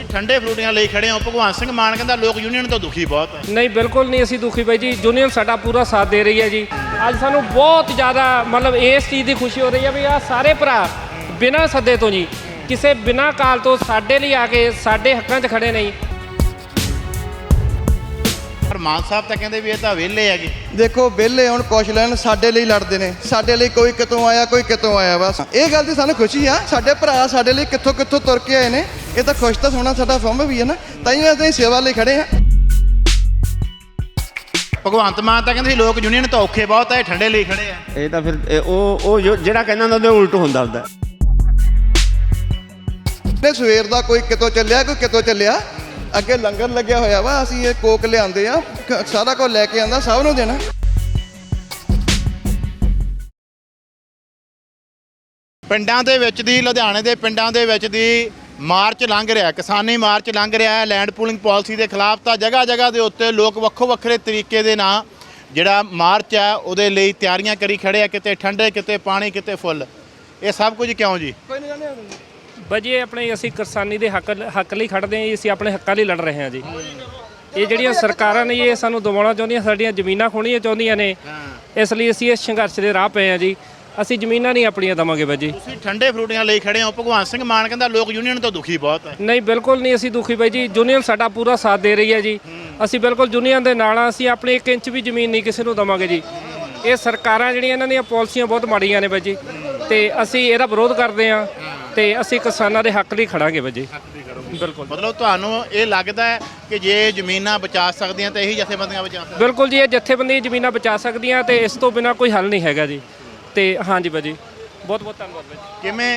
ठंडे फ्रूटियां ਲਈ ਖੜੇ ਹੋ। ਭਗਵੰਤ ਸਿੰਘ ਮਾਨ ਕਹਿੰਦਾ ਲੋਕ ਯੂਨੀਅਨ ਤੋਂ ਦੁਖੀ ਬਹੁਤ ਹੈ। नहीं बिल्कुल नहीं, ਅਸੀਂ दुखी भाई जी। यूनियन साडा पूरा साथ दे रही है जी। ਅੱਜ ਸਾਨੂੰ ਬਹੁਤ ਜ਼ਿਆਦਾ ਮਤਲਬ ਇਸ ਚੀਜ਼ ਦੀ ਖੁਸ਼ੀ ਹੋ ਰਹੀ ਹੈ ਵੀ ਆ ਸਾਰੇ ਭਰਾ ਬਿਨਾਂ ਸੱਦੇ ਤੋਂ ਜੀ ਕਿਸੇ ਬਿਨਾਂ ਕਾਲ ਤੋਂ ਸਾਡੇ ਲਈ ਆ ਕੇ ਸਾਡੇ ਹੱਕਾਂ 'ਚ ਖੜੇ ਨਹੀਂ। ਪਰ ਮਾਨ ਸਾਹਿਬ ਤਾਂ ਕਹਿੰਦੇ ਵੀ ਇਹ ਤਾਂ ਵਿਹਲੇ ਹੈਗੇ। ਦੇਖੋ ਵਿਹਲੇ ਹੁਣ ਕੁਛ ਲੈਣ, ਸਾਡੇ ਲਈ ਲੜਦੇ ਨੇ। ਸਾਡੇ ਲਈ ਕੋਈ ਕਿਤੋਂ ਆਇਆ, ਕੋਈ ਕਿਤੋਂ ਆਇਆ। ਬਸ ਇਹ ਗੱਲ ਦੀ ਸਾਨੂੰ ਖੁਸ਼ੀ ਆ। ਸਾਡੇ ਭਰਾ ਸਾਡੇ ਲਈ ਕਿੱਥੋਂ ਕਿੱਥੋਂ ਤੁਰ ਕੇ ਆਏ ਨੇ। ਇਹ ਤਾਂ ਖੁਸ਼ ਤਾਂ ਹੋਣਾ ਸਾਡਾ ਫੰਮ ਵੀ ਹੈ ਨਾ, ਤਾਂ ਹੀ ਅਸੀਂ ਸੇਵਾ ਲਈ ਖੜੇ ਆ। ਭਗਵੰਤ ਮਾਨ ਤਾਂ ਕਹਿੰਦੇ ਸੀ ਲੋਕ ਯੂਨੀਅਨ ਤੋਂ ਔਖੇ ਬਹੁਤ ਹੈ, ਠੰਡੇ ਲਈ ਖੜੇ ਆ। ਇਹ ਤਾਂ ਫਿਰ ਉਹ ਜਿਹੜਾ ਕਹਿੰਦਾ ਹੁੰਦਾ ਉਹਦੇ ਉਲਟ ਹੁੰਦਾ ਹੁੰਦਾ। ਨੇ ਸਵੇਰ ਦਾ ਕੋਈ ਕਿਤੋਂ ਚੱਲਿਆ, ਕੋਈ ਕਿਤੋਂ ਚੱਲਿਆ। ਅੱਗੇ ਲੰਗਰ ਲੱਗਿਆ ਹੋਇਆ ਵਾ, ਅਸੀਂ ਇਹ ਕੋਕ ਲਿਆਂਦੇ ਆ, ਸਾਰਾ ਕੁਝ ਲੈ ਕੇ ਆਂਦਾ, ਸਭ ਨੂੰ ਦੇਣਾ। ਪਿੰਡਾਂ ਦੇ ਵਿੱਚ ਦੀ ਲੁਧਿਆਣੇ ਦੇ ਪਿੰਡਾਂ ਦੇ ਵਿੱਚ ਦੀ ਮਾਰਚ ਲੰਘ ਰਿਹਾ, ਕਿਸਾਨੀ ਮਾਰਚ ਲੰਘ ਰਿਹਾ ਹੈ ਲੈਂਡ ਪੂਲਿੰਗ ਪਾਲਿਸੀ ਦੇ ਖਿਲਾਫ। ਤਾਂ ਜਗ੍ਹਾ ਜਗ੍ਹਾ ਦੇ ਉੱਤੇ ਲੋਕ ਵੱਖੋ ਵੱਖਰੇ ਤਰੀਕੇ ਦੇ ਨਾਲ ਜਿਹੜਾ ਮਾਰਚ ਹੈ ਉਹਦੇ ਲਈ ਤਿਆਰੀਆਂ ਕਰੀ ਖੜੇ ਆ। ਕਿਤੇ ਠੰਡੇ, ਕਿਤੇ ਪਾਣੀ, ਕਿਤੇ ਫੁੱਲ। ਇਹ ਸਭ ਕੁਝ ਕਿਉਂ ਜੀ? ਭਾਜੀ ਇਹ ਆਪਣੇ ਅਸੀਂ ਕਿਸਾਨੀ ਦੇ ਹੱਕ ਲਈ ਖੜਦੇ ਹਾਂ ਜੀ। ਅਸੀਂ ਆਪਣੇ ਹੱਕਾਂ ਲਈ ਲੜ ਰਹੇ ਹਾਂ ਜੀ। ਇਹ ਜਿਹੜੀਆਂ ਸਰਕਾਰਾਂ ਨੇ ਇਹ ਸਾਨੂੰ ਦਬਾਉਣਾ ਚਾਹੁੰਦੀਆਂ, ਸਾਡੀਆਂ ਜ਼ਮੀਨਾਂ ਖੋਹਣੀਆਂ ਚਾਹੁੰਦੀਆਂ ਨੇ। ਇਸ ਲਈ ਅਸੀਂ ਇਸ ਸੰਘਰਸ਼ ਦੇ ਰਾਹ ਪਏ ਹਾਂ ਜੀ। ਅਸੀਂ ਜ਼ਮੀਨਾਂ ਨਹੀਂ ਆਪਣੀਆਂ ਦੇਵਾਂਗੇ ਭਾਜੀ। ਤੁਸੀਂ ਠੰਡੇ ਫਰੂਟੀਆਂ ਲਈ ਖੜੇ ਹੋ। ਭਗਵੰਤ ਸਿੰਘ ਮਾਨ ਕਹਿੰਦਾ ਲੋਕ ਯੂਨੀਅਨ ਤੋਂ ਦੁਖੀ ਬਹੁਤ ਹੈ। ਨਹੀਂ ਬਿਲਕੁਲ ਨਹੀਂ, ਅਸੀਂ ਦੁਖੀ ਬਾਈ ਜੀ। ਯੂਨੀਅਨ ਸਾਡਾ ਪੂਰਾ ਸਾਥ ਦੇ ਰਹੀ ਹੈ ਜੀ। ਅਸੀਂ ਬਿਲਕੁਲ ਯੂਨੀਅਨ ਦੇ ਨਾਲ ਆ। ਅਸੀਂ ਆਪਣੀ 1 ਇੰਚ ਵੀ ਜ਼ਮੀਨ ਨਹੀਂ ਕਿਸੇ ਨੂੰ ਦੇਵਾਂਗੇ ਜੀ। ਇਹ ਸਰਕਾਰਾਂ ਜਿਹੜੀਆਂ ਇਹਨਾਂ ਦੀਆਂ ਪਾਲਿਸੀਆਂ ਬਹੁਤ ਮਾੜੀਆਂ ਨੇ ਬਾਈ ਜੀ, ਤੇ ਅਸੀਂ ਇਹਦਾ ਵਿਰੋਧ ਕਰਦੇ ਹਾਂ ਤੇ ਅਸੀਂ ਕਿਸਾਨਾਂ ਦੇ ਹੱਕ ਲਈ ਖੜਾਂਗੇ ਬਾਈ ਜੀ। ਬਿਲਕੁਲ ਮਤਲਬ ਤੁਹਾਨੂੰ ਇਹ ਲੱਗਦਾ ਹੈ ਕਿ ਜੇ ਜ਼ਮੀਨਾਂ ਬਚਾ ਸਕਦੀਆਂ ਤਾਂ ਇਹੀ ਜਥੇਬੰਦੀਆਂ ਬਚਾ ਸਕਦੀਆਂ? ਬਿਲਕੁਲ ਜੀ, ਇਹ ਜਥੇਬੰਦੀਆਂ ਜ਼ਮੀਨਾਂ ਬਚਾ ਸਕਦੀਆਂ ਤੇ ਇਸ ਤੋਂ ਬਿਨਾਂ ਕੋਈ ਹੱਲ ਨਹੀਂ ਹੈਗਾ ਜੀ। ਤੇ ਹਾਂਜੀ ਬਾਈ ਜੀ, ਬਹੁਤ ਬਹੁਤ ਧੰਨਵਾਦ ਬਾਈ। ਕਿਵੇਂ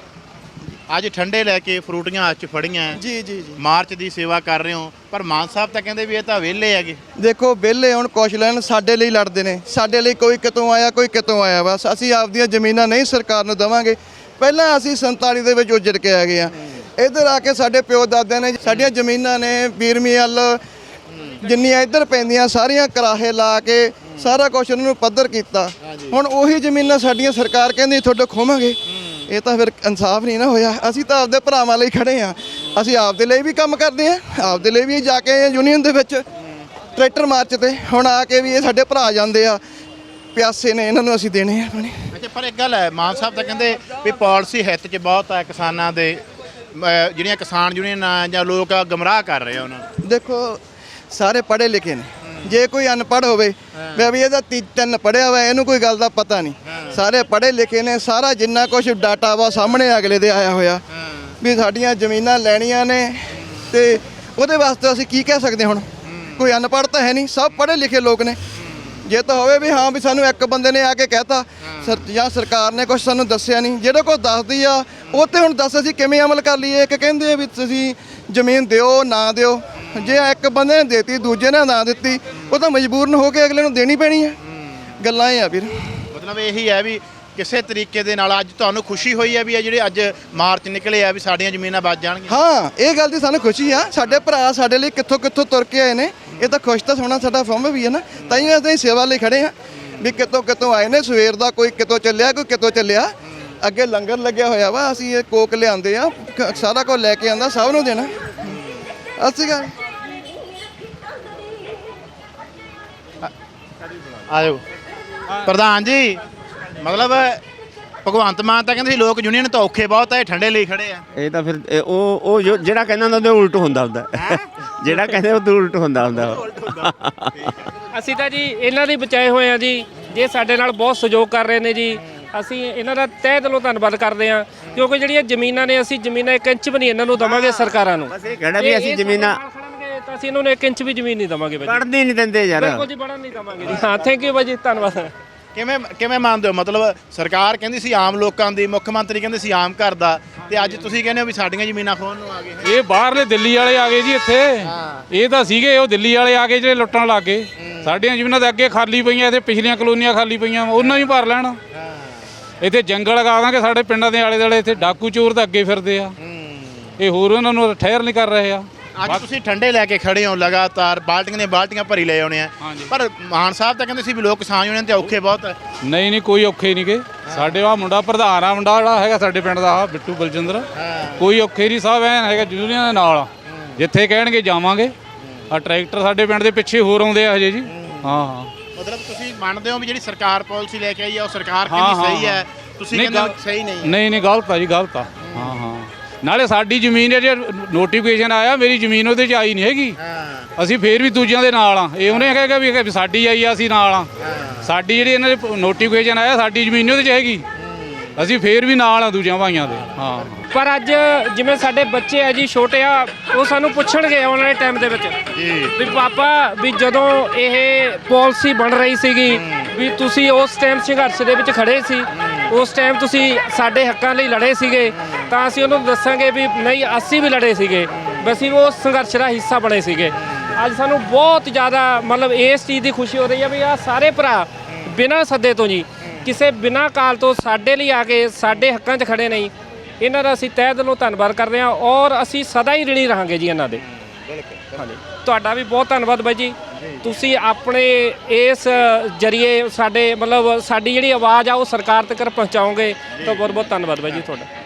ਅੱਜ ਠੰਡੇ ਲੈ ਕੇ ਫਰੂਟੀਆਂ ਹੱਥ 'ਚ ਫੜੀਆਂ ਜੀ ਜੀ ਜੀ, ਮਾਰਚ ਦੀ ਸੇਵਾ ਕਰ ਰਹੇ ਹੋ, ਪਰ ਮਾਨ ਸਾਹਿਬ ਤਾਂ ਕਹਿੰਦੇ ਵੀ ਇਹ ਤਾਂ ਵਿਹਲੇ ਹੈਗੇ। ਦੇਖੋ ਵਿਹਲੇ ਹੁਣ ਕੁਛ ਲੈਣ, ਸਾਡੇ ਲਈ ਲੜਦੇ ਨੇ। ਸਾਡੇ ਲਈ ਕੋਈ ਕਿਤੋਂ ਆਇਆ, ਕੋਈ ਕਿਤੋਂ ਆਇਆ। ਬਸ ਅਸੀਂ ਆਪਦੀਆਂ ਜ਼ਮੀਨਾਂ ਨਹੀਂ ਸਰਕਾਰ ਨੂੰ ਦੇਵਾਂਗੇ। ਪਹਿਲਾਂ ਅਸੀਂ 47 ਦੇ ਵਿੱਚ ਉੱਜੜ ਕੇ ਆ ਗਏ ਆ। ਇੱਧਰ ਆ ਕੇ ਸਾਡੇ ਪਿਓ ਦਾਦਿਆਂ ਨੇ ਸਾਡੀਆਂ ਜ਼ਮੀਨਾਂ ਨੇ ਬੀਰਮੀ ਵੱਲ ਜਿੰਨੀਆਂ ਇੱਧਰ ਪੈਂਦੀਆਂ ਸਾਰੀਆਂ ਕਰਾਹੇ ਲਾ ਕੇ ਸਾਰਾ ਕੁਛ ਉਹਨਾਂ ਨੂੰ ਪੱਧਰ ਕੀਤਾ। ਹੁਣ ਉਹੀ ਜ਼ਮੀਨਾਂ ਸਾਡੀਆਂ ਸਰਕਾਰ ਕਹਿੰਦੀ ਤੁਹਾਡੇ ਖੋਵਾਂਗੇ। ਇਹ ਤਾਂ ਫਿਰ ਇਨਸਾਫ ਨਹੀਂ ਨਾ ਹੋਇਆ। ਅਸੀਂ ਤਾਂ ਆਪਦੇ ਭਰਾਵਾਂ ਲਈ ਖੜੇ ਆ। ਅਸੀਂ ਆਪਦੇ ਲਈ ਵੀ ਕੰਮ ਕਰਦੇ ਆ, ਆਪਦੇ ਲਈ ਵੀ ਜਾ ਕੇ ਆਏ ਯੂਨੀਅਨ ਦੇ ਵਿੱਚ ਟਰੈਕਟਰ ਮਾਰਚ ਤੇ। ਹੁਣ ਆ ਕੇ ਵੀ ਇਹ ਸਾਡੇ ਭਰਾ ਜਾਂਦੇ ਆ, ਪਿਆਸੇ ਨੇ, ਇਹਨਾਂ ਨੂੰ ਅਸੀਂ ਦੇਣੇ ਆ ਪਾਣੀ। ਅੱਛਾ, ਪਰ ਇੱਕ ਗੱਲ ਹੈ, ਮਾਨ ਸਾਹਿਬ ਤਾਂ ਕਹਿੰਦੇ ਵੀ ਪਾਲਿਸੀ ਹਿੱਤ 'ਚ ਬਹੁਤ ਹੈ ਕਿਸਾਨਾਂ ਦੇ। ਜਿਹੜੀਆਂ ਕਿਸਾਨ ਯੂਨੀਅਨਾਂ ਜਾਂ ਲੋਕ ਗਮਰਾਹ ਕਰ ਰਹੇ ਆ ਉਹਨਾਂ ਨੂੰ। ਦੇਖੋ ਸਾਰੇ ਪੜ੍ਹੇ ਲਿਖੇ ਨੇ। ਜੇ ਕੋਈ ਅਨਪੜ੍ਹ ਹੋਵੇ ਵੀ ਇਹਦਾ 3 ਪੜ੍ਹਿਆ ਵਾ, ਇਹਨੂੰ ਕੋਈ ਗੱਲ ਦਾ ਪਤਾ ਨਹੀਂ। ਸਾਰੇ ਪੜ੍ਹੇ ਲਿਖੇ ਨੇ। ਸਾਰਾ ਜਿੰਨਾ ਕੁਝ ਡਾਟਾ ਵਾ ਸਾਹਮਣੇ ਅਗਲੇ ਦੇ ਆਇਆ ਹੋਇਆ ਵੀ ਸਾਡੀਆਂ ਜ਼ਮੀਨਾਂ ਲੈਣੀਆਂ ਨੇ, ਤੇ ਉਹਦੇ ਵਾਸਤੇ ਅਸੀਂ ਕੀ ਕਹਿ ਸਕਦੇ। ਹੁਣ ਕੋਈ ਅਨਪੜ੍ਹ ਤਾਂ ਹੈ ਨਹੀਂ, ਸਭ ਪੜ੍ਹੇ ਲਿਖੇ ਲੋਕ ਨੇ। ਜੇ ਤਾਂ ਹੋਵੇ ਵੀ ਹਾਂ ਵੀ ਸਾਨੂੰ ਇੱਕ ਬੰਦੇ ਨੇ ਆ ਕੇ ਕਹਿਤਾ ਜਾਂ ਸਰਕਾਰ ਨੇ ਕੁਝ ਸਾਨੂੰ ਦੱਸਿਆ ਨਹੀਂ, ਜਿਹੜਾ ਕੁਝ ਦੱਸਦੀ ਆ ਉਹ ਤੇ ਹੁਣ ਦੱਸ ਅਸੀਂ ਕਿਵੇਂ ਅਮਲ ਕਰ ਲਈਏ। ਇੱਕ ਕਹਿੰਦੇ ਆ ਵੀ ਤੁਸੀਂ ਜ਼ਮੀਨ ਦਿਓ ਨਾ ਦਿਓ। ਜੇ ਇੱਕ ਬੰਦੇ ਨੇ ਦੇਤੀ, ਦੂਜੇ ਨੇ ਨਾ ਦਿੱਤੀ, ਉਹ ਤਾਂ ਮਜਬੂਰਨ ਹੋ ਕੇ ਅਗਲੇ ਨੂੰ ਦੇਣੀ ਪੈਣੀ ਹੈ। ਗੱਲਾਂ ਇਹ ਆ ਵੀਰ। ਮਤਲਬ ਇਹੀ ਹੈ ਵੀ ਕਿਸੇ ਤਰੀਕੇ ਦੇ ਨਾਲ ਅੱਜ ਤੁਹਾਨੂੰ ਖੁਸ਼ੀ ਹੋਈ ਹੈ ਵੀ ਇਹ ਜਿਹੜੇ ਅੱਜ ਮਾਰਚ ਨਿਕਲੇ ਆ ਵੀ ਸਾਡੀਆਂ ਜ਼ਮੀਨਾਂ ਬਚ ਜਾਣਗੀਆਂ। ਹਾਂ ਇਹ ਗੱਲ ਦੀ ਸਾਨੂੰ ਖੁਸ਼ੀ ਆ। ਸਾਡੇ ਭਰਾ ਸਾਡੇ ਲਈ ਕਿੱਥੋਂ ਕਿੱਥੋਂ ਤੁਰ ਕੇ ਆਏ ਨੇ। ਇਹ ਤਾਂ ਖੁਸ਼ ਤਾਂ ਹੋਣਾ ਸਾਡਾ ਫੰਮ ਵੀ ਹੈ ਨਾ, ਤਾਂ ਹੀ ਅਸੀਂ ਸੇਵਾ ਲਈ ਖੜੇ ਆ। ਵੀ ਕਿਤੋਂ ਕਿਤੋਂ ਆਏ ਨੇ। ਸਵੇਰ ਦਾ ਕੋਈ ਕਿਤੋਂ ਚੱਲਿਆ, ਕੋਈ ਕਿਤੋਂ ਚੱਲਿਆ। ਅੱਗੇ ਲੰਗਰ ਲੱਗਿਆ ਹੋਇਆ ਵਾ, ਅਸੀਂ ਇਹ ਕੋਕ ਲਿਆਂਦੇ ਆ, ਸਾਰਾ ਕੁਝ ਲੈ ਕੇ ਆਂਦਾ, ਸਭ ਨੂੰ ਦੇਣਾ। ਅਸੀਂ ਗੱਲ ਆਜੋ ਪ੍ਰਧਾਨ ਜੀ, ਮਤਲਬ ਭਗਵੰਤ ਮਾਨ ਤਾਂ ਕਹਿੰਦੇ ਸੀ ਲੋਕ ਯੂਨੀਅਨ ਤੋਂ ਔਖੇ ਬਹੁਤ ਹੈ, ਠੰਡੇ ਲਈ ਖੜੇ ਆ। ਇਹ ਤਾਂ ਫਿਰ ਉਹ ਜਿਹੜਾ ਕਹਿੰਦਾ ਹੁੰਦਾ ਉਹਦੇ ਉਲਟ ਹੁੰਦਾ ਹੁੰਦਾ। ਜਿਹੜਾ ਕਹਿੰਦੇ ਉਹਦੇ ਉਲਟ ਹੁੰਦਾ ਹੁੰਦਾ। ਅਸੀਂ ਤਾਂ ਜੀ ਇਹਨਾਂ ਦੇ ਬਚਾਏ ਹੋਏ ਆ ਜੀ। ਜੇ ਸਾਡੇ ਨਾਲ ਬਹੁਤ ਸਹਿਯੋਗ ਕਰ ਰਹੇ ਨੇ ਜੀ, ਅਸੀਂ ਇਹਨਾਂ ਦਾ ਤਹਿ ਦਿਲੋਂ ਧੰਨਵਾਦ ਕਰਦੇ ਹਾਂ। ਕਿਉਂਕਿ ਜਿਹੜੀਆਂ ਜ਼ਮੀਨਾਂ ਨੇ, ਅਸੀਂ ਜ਼ਮੀਨਾਂ 1 ਇੰਚ ਵੀ ਨਹੀਂ ਇਹਨਾਂ ਨੂੰ ਦੇਵਾਂਗੇ ਸਰਕਾਰਾਂ ਨੂੰ। ਬਸ ਇਹ ਕਹਿਣਾ ਵੀ ਅਸੀਂ ਜ਼ਮੀਨਾਂ ਤਾਂ ਅਸੀਂ ਇਹਨਾਂ ਨੂੰ 1 ਇੰਚ ਵੀ ਜ਼ਮੀਨ ਨਹੀਂ ਦੇਵਾਂਗੇ ਬਾਈ। ਕੱਢਦੇ ਨਹੀਂ ਦਿੰਦੇ ਯਾਰ। ਬਿਲਕੁਲ ਜੀ, ਬੜਨ ਨਹੀਂ ਦੇਵਾਂਗੇ ਜੀ। ਹਾਂ ਥੈਂਕ ਯੂ ਬਾਈ ਜੀ, ਧੰਨਵਾਦ। ਕਿਵੇਂ ਮੰਨਦੇ ਹੋ? ਮਤਲਬ ਸਰਕਾਰ ਕਹਿੰਦੀ ਸੀ ਆਮ ਲੋਕਾਂ ਦੀ, ਮੁੱਖ ਮੰਤਰੀ ਕਹਿੰਦੇ ਸੀ ਆਮ ਘਰ ਦਾ, ਤੇ ਅੱਜ ਤੁਸੀਂ ਕਹਿੰਦੇ ਹੋ ਵੀ ਸਾਡੀਆਂ ਜ਼ਮੀਨਾਂ ਖੋਹਣ ਨੂੰ ਆ ਗਏ। ਇਹ ਬਾਹਰਲੇ ਦਿੱਲੀ ਵਾਲੇ ਆ ਗਏ ਜੀ ਇੱਥੇ। ਇਹ ਤਾਂ ਸੀਗੇ ਉਹ ਦਿੱਲੀ ਵਾਲੇ ਆ ਗਏ ਜਿਹੜੇ ਲੁੱਟਣ ਲੱਗ ਗਏ। ਸਾਡੀਆਂ ਜ਼ਮੀਨਾਂ ਤਾਂ ਅੱਗੇ ਖਾਲੀ ਪਈਆਂ, ਇੱਥੇ ਪਿਛਲੀਆਂ ਕਲੋਨੀਆਂ ਖਾਲੀ ਪਈਆਂ, ਉਹਨਾਂ ਵੀ ਭਰ ਲੈਣ। ਇੱਥੇ ਜੰਗਲ ਲਗਾ ਦਾਂਗੇ ਸਾਡੇ ਪਿੰਡਾਂ ਦੇ ਆਲੇ ਦੁਆਲੇ। ਇੱਥੇ ਡਾਕੂ ਚੋਰ ਤਾਂ ਅੱਗੇ ਫਿਰਦੇ ਆ, ਇਹ ਹੋਰ ਉਹਨਾਂ ਨੂੰ ਠਹਿਰ ਨਹੀਂ ਕਰ ਰਹੇ ਆ। ਅੱਜ ਤੁਸੀਂ ਠੰਡੇ ਲੈ ਕੇ ਖੜੇ ਹੋ ਲਗਾਤਾਰ, ਬਾਲਟੀਆਂ ਦੀਆਂ ਬਾਲਟੀਆਂ ਭਰੀ ਲੈ ਆਉਣੇ ਆ। ਪਰ ਮਾਨ ਸਾਹਿਬ ਤਾਂ ਕਹਿੰਦੇ ਸੀ ਵੀ ਲੋਕ ਕਿਸਾਨ ਯੂਨੀਅਨ ਤੇ ਔਖੇ ਬਹੁਤ ਹੈ। ਨਹੀਂ ਕੋਈ ਔਖੇ ਨਹੀਂ ਗੇ। ਸਾਡੇ ਆ ਮੁੰਡਾ ਪ੍ਰਧਾਨ ਆ, ਮੁੰਡਾ ਜਿਹੜਾ ਹੈਗਾ ਸਾਡੇ ਪਿੰਡ ਦਾ ਬਿੱਟੂ ਬਲਜਿੰਦਰ, ਕੋਈ ਔਖੇ ਨਹੀਂ। ਸਾਹਿਬ ਐਨ ਹੈਗਾ ਯੂਨੀਅਨ ਦੇ ਨਾਲ। ਜਿੱਥੇ ਕਹਿਣਗੇ ਜਾਵਾਂਗੇ। ਆ ਟਰੈਕਟਰ ਸਾਡੇ ਪਿੰਡ ਦੇ ਪਿੱਛੇ ਹੋਰ ਆਉਂਦੇ ਆ ਹਜੇ ਜੀ। ਹਾਂ ਹਾਂ ਮਤਲਬ ਤੁਸੀਂ ਮੰਨਦੇ ਹੋ ਵੀ ਜਿਹੜੀ ਸਰਕਾਰ ਪਾਲਿਸੀ ਲੈ ਕੇ ਆਈ ਆ ਉਹ ਸਰਕਾਰ ਹਾਂ, ਕਿੰਨੀ ਹਾਂ, ਸਹੀ ਹੈ, ਤੁਸੀਂ ਕਹਿੰਦੇ ਹੋ ਸਹੀ ਨਹੀਂ? ਨਹੀਂ ਨਹੀਂ ਗਲਤ ਆ ਜੀ, ਗਲਤ ਆ। ਹਾਂ ਹਾਂ ਨਾਲੇ ਸਾਡੀ ਜ਼ਮੀਨ ਹੈ, ਜੇ ਨੋਟੀਫਿਕੇਸ਼ਨ ਆਇਆ ਮੇਰੀ ਜ਼ਮੀਨ ਉਹਦੇ 'ਚ ਆਈ ਨਹੀਂ ਹੈਗੀ, ਅਸੀਂ ਫੇਰ ਵੀ ਦੂਜਿਆਂ ਦੇ ਨਾਲ ਆ। ਇਹ ਉਹਨੇ ਕਹੇਗਾ ਵੀ ਸਾਡੀ ਆਈ ਆ ਅਸੀਂ ਨਾਲ ਆ। ਸਾਡੀ ਜਿਹੜੀ ਇਹਨਾਂ ਦੇ ਨੋਟੀਫਿਕੇਸ਼ਨ ਆਇਆ ਸਾਡੀ ਜ਼ਮੀਨ ਉਹਦੇ 'ਚ ਹੈਗੀ, ਅਸੀਂ ਫੇਰ ਵੀ ਨਾਲ ਆ ਦੂਜਿਆਂ ਭਾਈਆਂ ਦੇ। ਹਾਂ ਪਰ ਅੱਜ ਜਿਵੇਂ ਸਾਡੇ ਬੱਚੇ ਆ ਜੀ ਛੋਟੇ ਆ, ਉਹ ਸਾਨੂੰ ਪੁੱਛਣਗੇ ਆਉਣ ਵਾਲੇ ਟਾਈਮ ਦੇ ਵਿੱਚ ਵੀ ਪਾਪਾ ਵੀ ਜਦੋਂ ਇਹ ਪਾਲਿਸੀ ਬਣ ਰਹੀ ਸੀਗੀ ਵੀ ਤੁਸੀਂ ਉਸ ਟਾਈਮ ਸੰਘਰਸ਼ ਦੇ ਵਿੱਚ ਖੜੇ ਸੀ, ਉਸ ਟਾਈਮ ਤੁਸੀਂ ਸਾਡੇ ਹੱਕਾਂ ਲਈ ਲੜੇ ਸੀਗੇ, ਤਾਂ ਅਸੀਂ ਉਹਨੂੰ ਦੱਸਾਂਗੇ ਵੀ ਨਹੀਂ ਅਸੀਂ ਵੀ ਲੜੇ ਸੀਗੇ, ਵੀ ਅਸੀਂ ਉਸ ਸੰਘਰਸ਼ ਦਾ ਹਿੱਸਾ ਬਣੇ ਸੀਗੇ। ਅੱਜ ਸਾਨੂੰ ਬਹੁਤ ਜ਼ਿਆਦਾ ਮਤਲਬ ਇਸ ਚੀਜ਼ ਦੀ ਖੁਸ਼ੀ ਹੋ ਰਹੀ ਹੈ ਵੀ ਆਹ ਸਾਰੇ ਭਰਾ ਬਿਨਾਂ ਸੱਦੇ ਤੋਂ ਜੀ ਕਿਸੇ ਬਿਨਾਂ ਕਾਲ ਤੋਂ ਸਾਡੇ ਲਈ ਆ ਕੇ ਸਾਡੇ ਹੱਕਾਂ 'ਚ ਖੜੇ ਨਹੀਂ। ਇਹਨਾਂ ਦਾ ਅਸੀਂ ਤਹਿ ਦਿਲੋਂ ਧੰਨਵਾਦ ਕਰਦੇ ਹਾਂ ਔਰ ਅਸੀਂ ਸਦਾ ਹੀ ਰਿਣੀ ਰਹਾਂਗੇ ਜੀ ਇਹਨਾਂ ਦੇ। ਹਾਂਜੀ ਤੁਹਾਡਾ ਵੀ ਬਹੁਤ ਧੰਨਵਾਦ ਬਾਈ ਜੀ, ਤੁਸੀਂ ਆਪਣੇ ਇਸ ਜਰੀਏ ਸਾਡੇ ਮਤਲਬ ਸਾਡੀ ਜਿਹੜੀ ਆਵਾਜ਼ ਆ ਉਹ ਸਰਕਾਰ ਤੱਕ ਪਹੁੰਚਾਓਗੇ, ਤਾਂ ਬਹੁਤ ਬਹੁਤ ਧੰਨਵਾਦ ਬਾਈ ਜੀ ਤੁਹਾਡਾ।